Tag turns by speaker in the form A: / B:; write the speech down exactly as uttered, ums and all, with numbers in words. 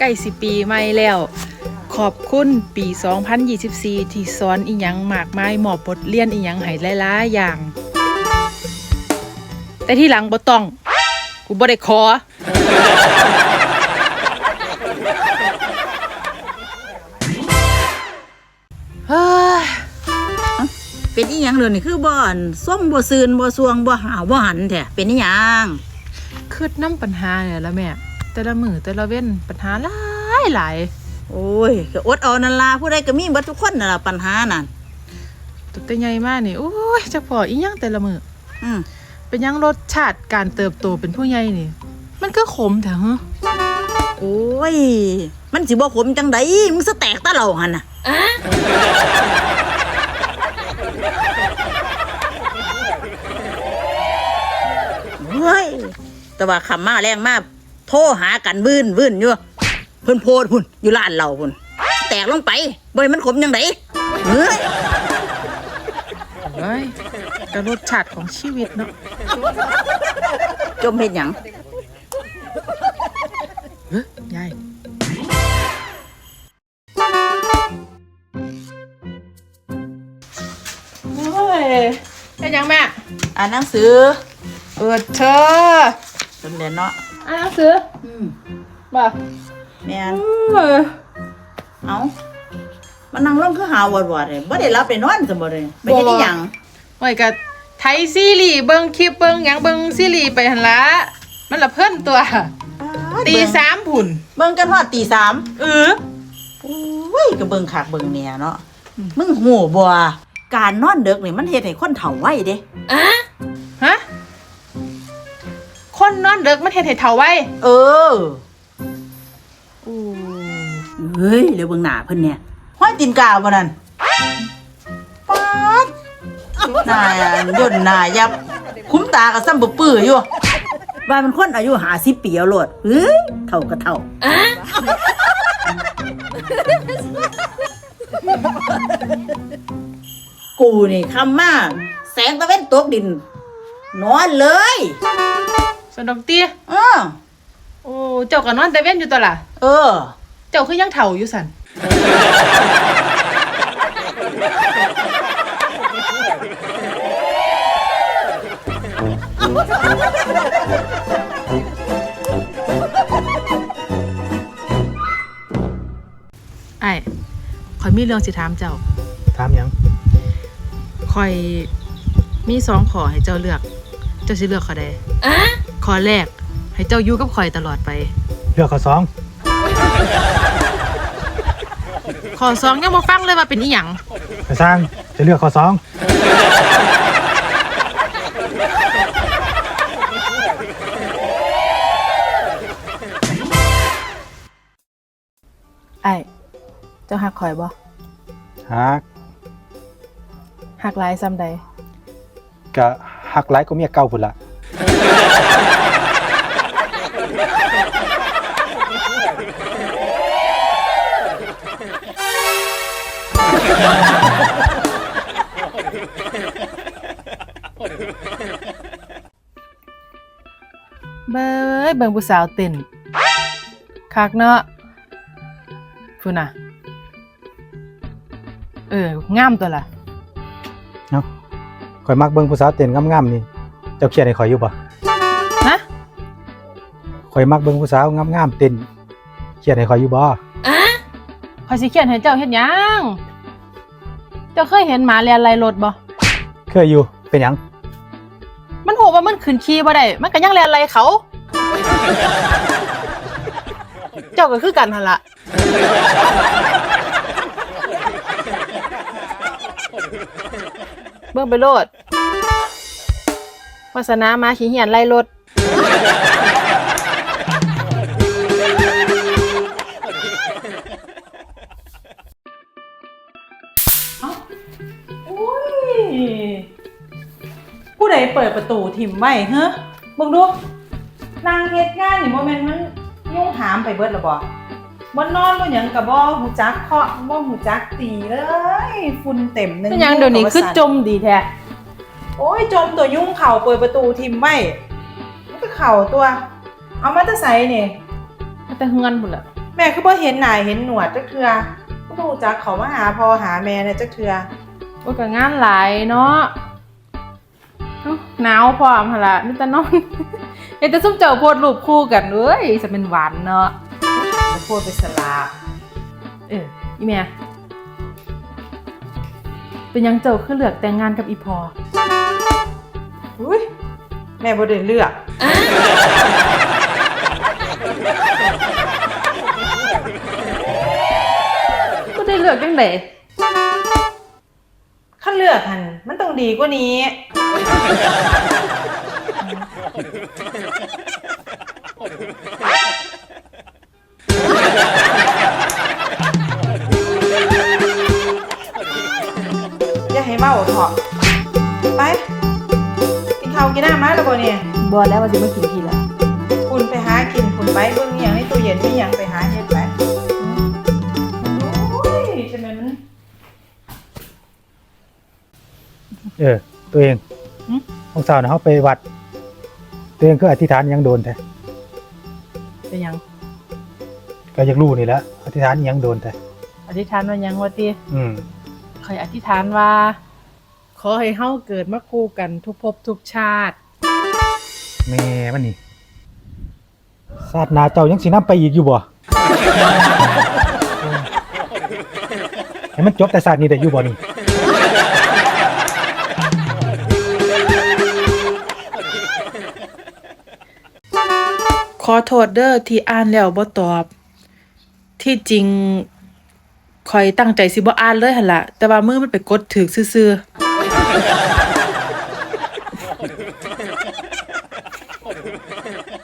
A: ใกล้สิปีใหม่แล้วขอบคุณปีสองพันยี่สิบสี่ที่สอนอีหยังมากมายมอบบทเรียนอีหยังให้หลายๆอย่างแต่ที่หลังบ่ต้องกูบ่ได้ขอเฮ้ย
B: เป็นอีหยังเลยนี่คือบ่อนส้มบ่ซืนบ่สวงบ่หาวบ่หันแท้เป็นอีหยัง
A: คืดน้ำปัญหาเนี่ยละแม่แต่ละมือแต่ละเว้นปัญหาหลายหลาย
B: โอ้ยก็อดเอานั่นล่ะผู้ใดก็มีเบิดทุกคนนั่นล่ะปัญหานั่น
A: ตัวแต่ใหญ่มากนี่โอ้ยจักพออีหยังแต่ละมือ
B: อืม
A: เป็นยังรสชาติการเติบโตเป็นผู้ใหญ่นี่มันก็ขมแท้ฮะ
B: โอ้ยมันสิบ่ขมจังไดมึงสแตกตะเหล่าหั่นน่ะเฮ้ยแต่ว่าคำมาแรงมากโทรหากันวื่นวื่นอยู่เพิ่นโพดพุ่นอยู่ร้านเราพุ่นแตกลงไปบ่ให้มันขมจังไดเฮ้ย
A: เฮ้ยก็รสชาติของชีวิตเนาะ
B: จมเฮ็ดหยัง
A: เฮ้ยยายโอ้ยเป็นยังแม่
B: อ่านหนังสือ
A: เออเธอ
B: เพิ่นเรียนเนาะ
A: อ่านหนังสือ
B: อืม
A: บ่
B: แม่นเอ้ามันนั่งลงคือหาวอดๆเลยบ่ได้รับได้นอนซั่นบ่เลยไปเฮ็ดอีหยัง
A: โอ้ยก็ไทยซีรีส์เบิ่งคลิปเบิ่งหยังเบิ่งซีรีส์ไปหั่นล่ะมันละเพิ่นตัวตีสามพุ่น
B: เบิ่งกันฮอดตีสาม
A: เออ
B: โอ้ยก็เบิ่งคักเบิ่งแหน่เนาะมึงฮู้บ่การนอนดึกนี่มันเฮ็ดให้คนเฒ่าไวเด้
A: อะฮะคนนอนดึกมันเฮ็ดให้เฒ่าไว
B: เออ
A: โอ้
B: เฮ้ยแล้วเบิ่งหน้าเพิ่นเนี่ยห้อยตีนกาวบ่นั่นป๊าดหน้าย่นหน้ายับคุ้มตาก็ซ้ำบ่ปื้ออยู่ว่ามันคนอายุห้าสิบปีเอาโลดเฮ้ยเฒ่าก็เฒ่าอะกูนี่คำมาแสงตะเว้นตกดินนอนเลย
A: สนดอกเตี้ย
B: เออ
A: โอ้เจ้าก็นอนแต่เว้นอยู่ตัวล่ะ
B: เออ
A: เจ้าคือยังเฒ่าอยู่สั่นไอ้ข่อยมีเรื่องสิถามเจ้า
C: ถามหยัง
A: ข่อยมีสองข้อให้เจ้าเลือกเจ้าสิเลือกข้อใดอะข้อแรกให้เจ้าอยู่กับข่อยตลอดไป
C: เลือกข้อสอง
A: ข้อสองยังบ่ฟังเลยว่าเป็นอีหยัง
C: จะสร้างจะเลือกข้อสอง
A: ไอ้เจ้าฮักข่อยบ่
C: ฮัก
A: ฮักหลายซ้ำใด
C: ก็ฮักหลายก็เมียเก่าพุ่นล่ะ
A: เบ้ยเบิ่งผู้สาวเต้นคักเนาะพุ่นน่ะเอองามตัวล่ะ
C: เนาะข่อยมักเบิ่งผู้สาวเต้นงามๆนี่เจ้าเขียนให้ข่อยอยู่บ่
A: ฮะ
C: ข่อยมักเบิ่งผู้สาวงามๆเต้นเขียนให้ข่อยอยู่บ่อะ
A: ข่อยสิเขียนให้เจ้าเฮ็ดหยังเจ้าเคยเห็นหมาแล่นไล่รถบ่
C: เคยอยู่เป็นหยัง
A: มันฮู้ว่ามันขึ้นขี่บ่ได้มันก็ยังแล่นไล่เขาเจ้าก็คือกันหั่นล่ะเบิ่งไปโลดวาสนามาขี้เหียนไล่รถผู้ใดเปิดประตูถิ่มไว้เฮ้อมึงดูนางเฮ็ดงานนี่โมเมนต์มันยุ่งถามไปเบิดละบ่บ่นอนบ่หยังก็บ่ฮู้จักเคาะบ่ฮู้จักตีเลยฝุ่นเต็มนึงเป็นหยังเดี๋ยวนี้คือจมดีแท้โอ้ยจมตัวยุ่งเข่าเปิดประตูถิ่มไว้มันก็เข่าตัวเอามาแต่ไสนี่มาแต่เฮือนพุ่นล่ะแม่คือบ่เห็นหน้าเห็นหนวดจักเทื่อบ่รู้จักเขามาหาพ่อหาแม่เนี่ยจักเทื่อ
D: โอ้ยก็งานหลายเนาะเอ้าหนาวพร้อมหั่นล่ะมีแต่นอน เฮ็ดแต่ซุมเจ้าโพสต์รูปคู่กันเอ้ยจะเป็นหวานเนาะ
A: จะพูดไปสลา
D: เอออีแม่เป็นหยังเจ้าคือเลือกแต่งงานกับอีพอ
A: อุ้ยแม่บ่ได้เลือก
D: ก็ได้เลือกจังได๋
A: คันเลือกหั่นมันต้องดีกว่านี้ อย่าให้เมาเถอะไปกินข้าวกินน้ำมาแล้วบ่เนี่ย
D: บ่แล้วว่าสิมากินทีละ
A: คุณไปหากินคุณไปเบิ่งอหย่างในตู้เย็นมีหยังไปหาเฮ็ดไปโอ้ยใช่ไหมมัน
C: เออ ตัวเองของสาวน่ะเฮาไปวัด ตัวเองคืออธิษฐานหยังโดนแท้
D: เป็นหยัง
C: ก็อยากรู้นี่แหละอธิษฐานหยังโดนแท้
D: อธิษฐานว่าหยังว่าติ
C: อืม
D: ข่อยอธิษฐานว่า ขอให้เฮาเกิดมาคู่กันทุกภพทุกชาติ
C: แม่มันนี่ชาติหน้าเจ้ายังสินำไปอีกอยู่บ่ ให้มันจบแต่ชาตินี้ได้อยู่บ่นี่
E: ขอโทษเด้อที่อ่านแล้วบ่ตอบ ที่จริงข่อยตั้งใจสิบ่อ่านเลยหั่นล่ะ แต่ว่ามือมันไปกดถูกซื่อๆ